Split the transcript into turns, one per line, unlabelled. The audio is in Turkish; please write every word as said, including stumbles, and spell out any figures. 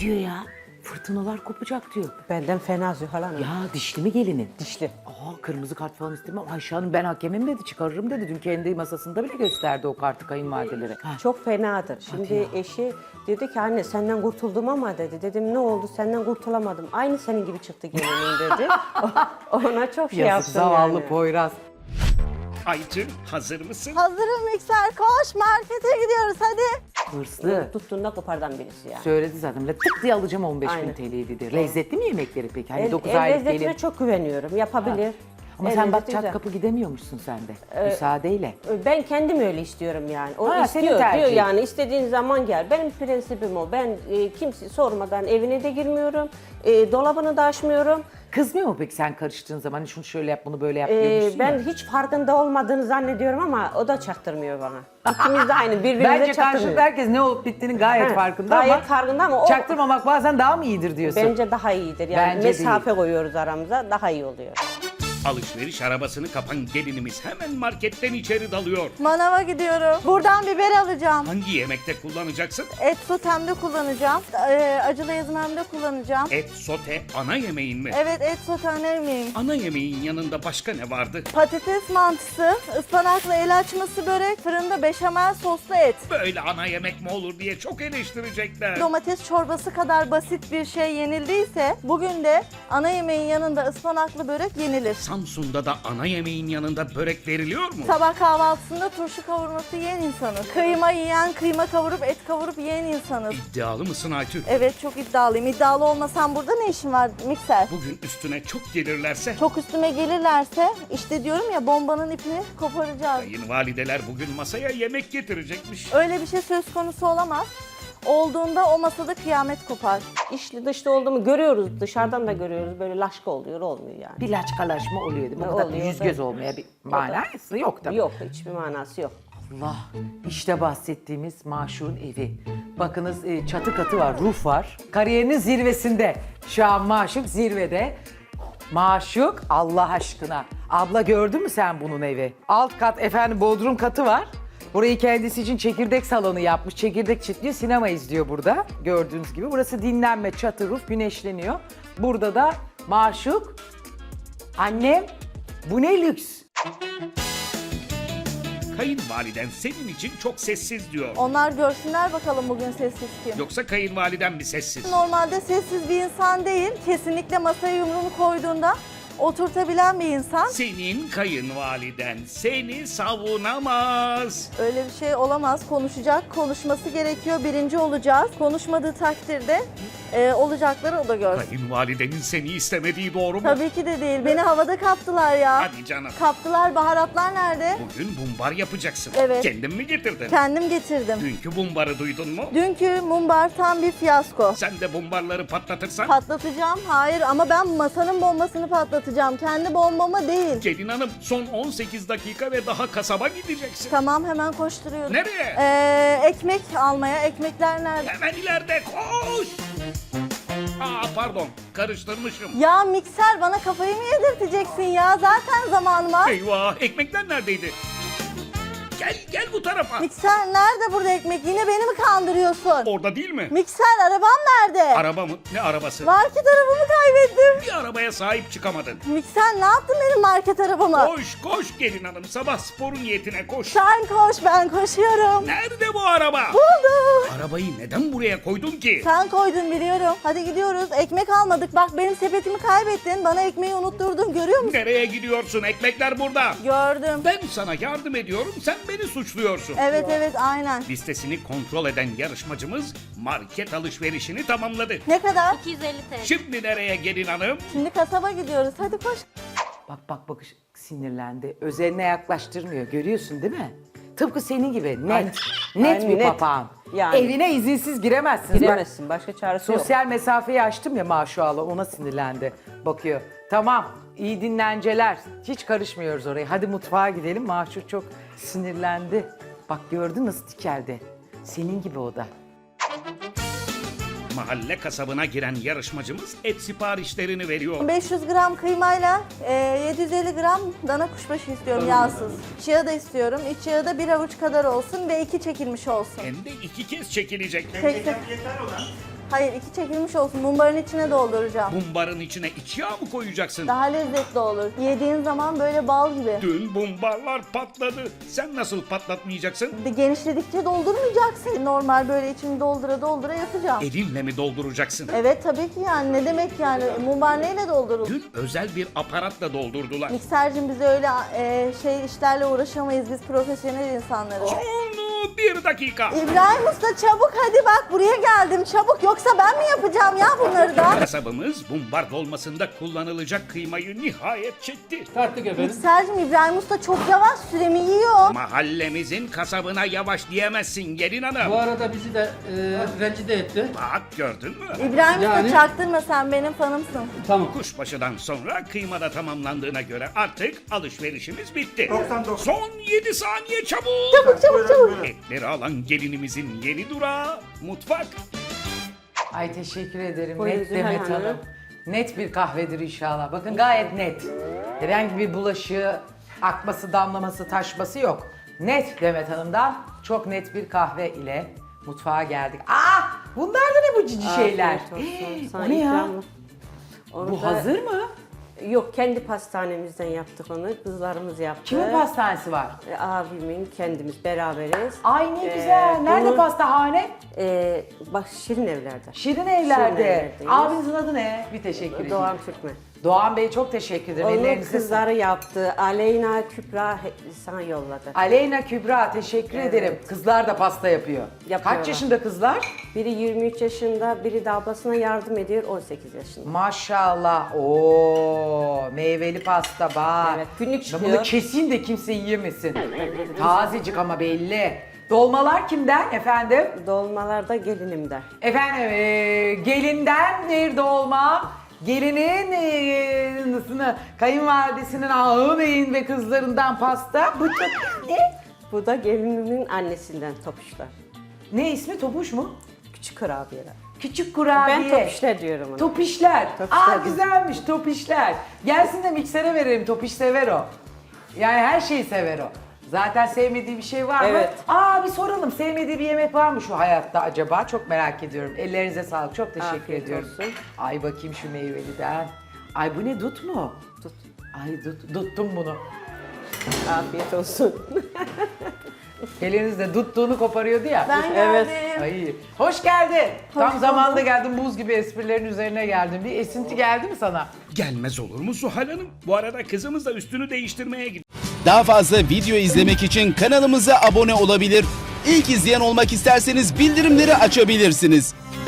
diyor ya? Fırtınalar kopacak diyor.
Benden fena Zühal Hanım.
Ya dişli mi gelinin?
Dişli.
Aa, kırmızı kart falan istemem. Ayşe Hanım ben hakemim dedi, çıkarırım dedi. Dün kendi masasında bile gösterdi o kartı kayınvalidelere. Ha.
Çok fenadır. Şimdi
ya.
eşi dedi ki anne senden kurtuldum ama dedi. Dedim ne oldu senden kurtulamadım. Aynı senin gibi çıktı gelinin dedi. Ona çok şey
Yazık
yaptım
zavallı
yani.
Poyraz.
Aytül hazır mısın?
Hazırım mikser, koş markete gidiyoruz hadi.
Hırslı.
Tuttuğunda kopardan birisi yani.
Söyledi zaten. Böyle tık diye alacağım on beş bin
Aynen.
T L'yi dedi. Lezzetli mi yemekleri peki? Hani
El,
dokuz
el
aylık
lezzetine
gelin.
çok güveniyorum. Yapabilir.
Ama
El
sen bak
lezzeti
çat
güzel.
kapı gidemiyormuşsun sen de. Müsaadeyle.
Ben kendim öyle istiyorum yani. O
Ha, senin
istiyor diyor
tercihin.
yani istediğin zaman gel. Benim prensibim o. Ben e, kimse sormadan evine de girmiyorum. E, dolabını da açmıyorum.
Kızmıyor mu peki sen karıştığın zaman? Hani şunu şöyle yap bunu böyle yap
E,
diyormuşsun
ben
ya.
hiç farkında olmadığını zannediyorum ama o da çaktırmıyor bana. İkimiz de aynı birbirimize
Bence
çaktırmıyor.
karşılıklı herkes ne olup bittiğinin gayet
Ha,
farkında
gayet
ama
farkında ama o
çaktırmamak bazen daha mı iyidir diyorsun?
bence daha iyidir. Yani
Bence
mesafe koyuyoruz aramıza daha iyi oluyor.
Alışveriş arabasını kapan gelinimiz hemen marketten içeri dalıyor.
Manava gidiyorum. Buradan biber alacağım.
Hangi yemekte kullanacaksın?
Et sotemde kullanacağım. Ee, acılı ezmemde kullanacağım.
Et sote ana yemeğin mi?
Evet et sotem miyim?
Ana yemeğin yanında başka ne vardı?
Patates mantısı, ıspanaklı el açması börek, fırında beşamel soslu et.
Böyle ana yemek mi olur diye çok eleştirecekler.
Domates çorbası kadar basit bir şey yenildiyse bugün de ana yemeğin yanında ıspanaklı börek yenilir.
Samsun'da da ana yemeğin yanında börek veriliyor mu?
Sabah kahvaltısında turşu kavurması yiyen insanız. Kıyma yiyen, kıyma kavurup et kavurup yiyen insanız.
İddialı mısın Aytül?
Evet çok iddialıyım. İddialı olmasam burada ne işim var mikser?
Bugün üstüne çok gelirlerse
Çok üstüme gelirlerse işte diyorum ya bombanın ipini koparacağız.
kayınvalideler bugün masaya yemek getirecekmiş.
Öyle bir şey söz konusu olamaz. Olduğunda o masada kıyamet kopar.
İşli dışta olduğumu görüyoruz. Dışarıdan da görüyoruz. Böyle laşka oluyor. Olmuyor yani.
Bir laçkalaşma oluyor değil mi? O
Ne
kadar
oluyor?
yüz göz olmaya bir manası yok tabii.
Yok hiçbir manası yok.
Allah, işte bahsettiğimiz maşuğun evi. Bakınız e, çatı katı var, roof var. Kariyerinin zirvesinde. Şu an maşuk zirvede. Maşuk Allah aşkına. Abla gördün mü sen bunun evi? Alt kat efendim bodrum katı var. Burayı kendisi için çekirdek salonu yapmış. Çekirdek çitliyor, sinema izliyor burada. Gördüğünüz gibi. Burası dinlenme, çatı, roof, güneşleniyor. Burada da maşuk. Annem, bu ne lüks.
Kayınvaliden senin için çok sessiz diyor.
Onlar görsünler bakalım bugün sessiz kim.
Yoksa kayınvaliden mi sessiz?
Normalde sessiz bir insan değil. Kesinlikle masaya yumruğunu koyduğunda oturtabilen bir insan.
Senin kayınvaliden seni savunamaz.
Öyle bir şey olamaz. Konuşacak, konuşması gerekiyor. Birinci olacağız. Konuşmadığı takdirde e, olacakları o da görsün.
Kayınvalidenin seni istemediği doğru mu?
Tabii ki de değil. Beni havada kaptılar ya.
Hadi canım.
Kaptılar. Baharatlar nerede?
Bugün bumbar yapacaksın.
Evet.
Kendin mi getirdin?
Kendim getirdim.
Dünkü bumbarı duydun mu?
Dünkü mumbar tam bir fiyasko.
Sen de bumbarları patlatırsan
Patlatacağım. Hayır ama ben masanın bombasını patlatacağım. Kendi bombamı değil.
gelin hanım son on sekiz dakika ve daha kasaba gideceksin.
Tamam hemen koşturuyorum.
Nereye?
Ee, ekmek almaya. Ekmekler nerede?
Hemen ileride koş. Aa pardon karıştırmışım.
Ya mikser bana kafayı mı yedirteceksin ya? Zaten zamanım var.
Eyvah ekmekler neredeydi? Gel gel bu tarafa.
Mikser nerede burada ekmek? Yine beni mi kandırıyorsun?
Orada değil mi?
Mikser arabam nerede?
Araba mı? Ne arabası?
Market arabamı kaybettim.
Bir arabaya sahip çıkamadın.
Mikser ne yaptın benim market arabama?
Koş koş gelin hanım sabah sporu niyetine koş.
Sen koş ben koşuyorum.
Nerede bu araba?
Buldum.
Arabayı neden buraya koydun ki?
Sen koydun biliyorum. Hadi gidiyoruz. Ekmek almadık. Bak benim sepetimi kaybettin. Bana ekmeği unutturdun. Görüyor musun?
Nereye gidiyorsun? Ekmekler burada.
Gördüm.
Ben sana yardım ediyorum, sen beni suçluyorsun.
Evet evet aynen.
Listesini kontrol eden yarışmacımız market alışverişini tamamladı.
Ne kadar?
iki yüz elli T L.
Şimdi nereye gelin hanım?
Şimdi kasaba gidiyoruz. Hadi koş.
Bak bak bak sinirlendi. Özeline yaklaştırmıyor. Görüyorsun değil mi? Tıpkı senin gibi net.
Aynen.
Net
Aynen,
bir
net.
papağan.
Yani.
Evine izinsiz giremezsin.
Giremezsin. Başka çaresi yok.
Sosyal mesafeyi açtım ya maşallah ona sinirlendi. Bakıyor. Tamam iyi dinlenceler. Hiç karışmıyoruz oraya. Hadi mutfağa gidelim. Maşur çok sinirlendi. Bak gördün nasıl dikeldi. Senin gibi o da.
Mahalle kasabına giren yarışmacımız et siparişlerini veriyor.
beş yüz gram kıymayla e, yedi yüz elli gram dana kuşbaşı istiyorum yağsız. Çiğ da istiyorum. İç yağı da bir avuç kadar olsun ve iki çekilmiş olsun.
Hem de iki kez çekilecek.
Peki. Hayır, iki çekilmiş olsun. Mumbarın içine dolduracağım.
Bumbarın içine iç yağ mı koyacaksın?
Daha lezzetli olur. Yediğin zaman böyle bal gibi.
Dün bumbarlar patladı. Sen nasıl patlatmayacaksın?
Genişledikçe doldurmayacaksın. Normal böyle içini doldura doldura yapacağım.
Elinle mi dolduracaksın?
Evet tabii ki yani. Ne demek yani? Mumbar neyle doldurulur?
Dün özel bir aparatla doldurdular.
Miksercim biz öyle e, şey işlerle uğraşamayız. Biz profesyonel insanlarız.
Onu bir dakika.
İbrahim Usta çabuk hadi bak buraya geldim çabuk. Yoksa ben mi yapacağım ya bunları da?
Kasabımız bumbar dolmasında kullanılacak kıymayı nihayet çekti.
Tarttık efendim.
Miksercim İbrahim Usta çok yavaş süremi yiyor.
Mahallemizin kasabına yavaş diyemezsin gelin hanım.
Bu arada bizi de e, rencide etti.
Bak gördün mü?
İbrahim
Yani-
Usta çaktırma sen benim fanımsın.
Tamam.
Kuşbaşıdan sonra kıyma da tamamlandığına göre artık alışverişimiz bitti. Son yedi saniye çabuk.
Çabuk çabuk çabuk.
Etleri alan gelinimizin yeni durağı mutfak.
Ay teşekkür ederim.
Buyurun
Net
Zühal
Demet
Hanım.
Hanım. Net bir kahvedir inşallah. Bakın gayet net. Herhangi bir bulaşığı, akması, damlaması, taşması yok. Net Demet Hanım'dan çok net bir kahve ile mutfağa geldik. Aa! Bunlar da ne bu cici şeyler?
Afiyet olsun.
Hii,
Sana
o ne ya?
ikramlık. Onu
Bu
da-
hazır mı?
Yok, kendi pastanemizden yaptık onu. Kızlarımız yaptı.
Kimin pastanesi var?
E, Abimin, kendimiz beraberiz.
Ay ne
Ee,
güzel. Nerede
bunu-
pastahane?
E, bak Şirin Evler'de.
Şirin Evler'de.
Evler'deyiz.
Abinizin adı ne? Bir teşekkür ederim.
Doğan Türkmen.
Doğan Bey çok teşekkür ederim.
Onu
Ellerinize sağlık.
kızları yaptı. Aleyna Kübra he- sana yolladı.
Aleyna Kübra teşekkür
Evet.
ederim. Kızlar da pasta yapıyor.
Yapıyorlar.
Kaç yaşında kızlar?
Biri yirmi üç yaşında, biri de ablasına yardım ediyor on sekiz yaşında.
Maşallah. Oo, meyveli pasta bak.
Evet, günlük
Ben
çıkıyor.
bunu keseyim de kimse yiyemesin. Tazecik ama belli. Dolmalar kimden efendim?
Dolmalarda gelinimde.
Efendim e, gelinden bir dolma. Gelinin e, nasını, kayınvalidesinin ağı beyin ve kızlarından pasta. Bu çok ne?
Bu da gelinimin annesinden topuşlar.
Ne ismi? Topuş mu?
Küçük kurabiyeler.
Küçük kurabiye.
Ben topişler diyorum ona.
Top işler.
Top
Aa
işler.
güzelmiş top işler. Gelsin de miksere verelim. Top iş sever o. Yani her şeyi sever o. Zaten sevmediği bir şey var mı?
Evet.
Aa bir soralım. Sevmediği bir yemek var mı şu hayatta acaba? Çok merak ediyorum. Ellerinize sağlık. Çok teşekkür
Afiyet
ediyorum.
olsun.
Ay bakayım şu meyveliden. Ay bu ne dut mu?
Tut.
Ay dut, tuttum bunu.
Afiyet olsun.
Geliniz de tuttuğunu koparıyordu ya.
Ben
Evet.
geldim.
Ay, hoş geldin. Tam
bulduk.
zamanında geldin. Buz gibi esprilerin üzerine geldin. Bir esinti geldi mi sana?
Gelmez olur mu Zuhal Hanım? Bu arada kızımız da üstünü değiştirmeye gitti.
Daha fazla video izlemek için kanalımıza abone olabilir. İlk izleyen olmak isterseniz bildirimleri açabilirsiniz.